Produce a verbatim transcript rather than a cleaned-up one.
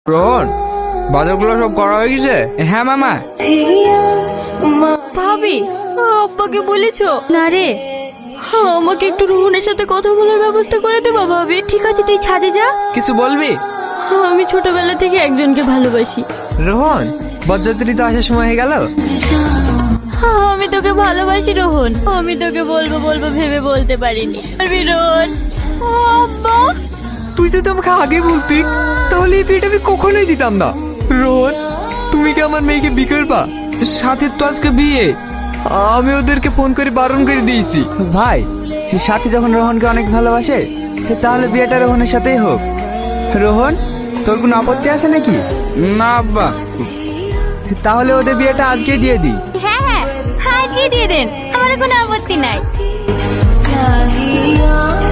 রোহন, বাজারগুলো সব করা হয়ে গেছে? হ্যাঁ মামা। ভাবি, আব্বাকে বলেছো? না রে। আমাকে একটু রোহনের সাথে কথা বলার ব্যবস্থা করে দেবা ভাবি? ঠিক আছে, তুই ছাদে যা। কিছু বলবি? আমি ছোটবেলা থেকে একজনকে ভালোবাসি। রোহন, বরযাত্রী তো আসার সময় হয়ে গেল। আমি তোকে ভালোবাসি রোহন। আমি তোকে বলবো বলবো ভেবে বলতে পারিনি। পারবি রোহন? আব্বা, তুই যদি আমাকে আগে বলতি তাহলে এই বিয়েটা আমি কখনোই দিতাম না। রোহন, তুমি কি আমার মেয়েকে বিয়ে করবা? সাথে তো আজকে বিয়ে। আমি ওদেরকে ফোন করে বারণ করে দিয়েছি। ভাই, সাথী যখন রোহনকে অনেক ভালোবাসে তাহলে বিয়েটা রোহনের সাথেই হোক। রোহন, তোর কোনো আপত্তি আছে নাকি? না আব্বা। তাহলে ওদের বিয়েটা আজকেই দিয়ে দিই। হ্যাঁ হ্যাঁ, আজকে দিয়ে দেন, আমার কোনো আপত্তি নাই।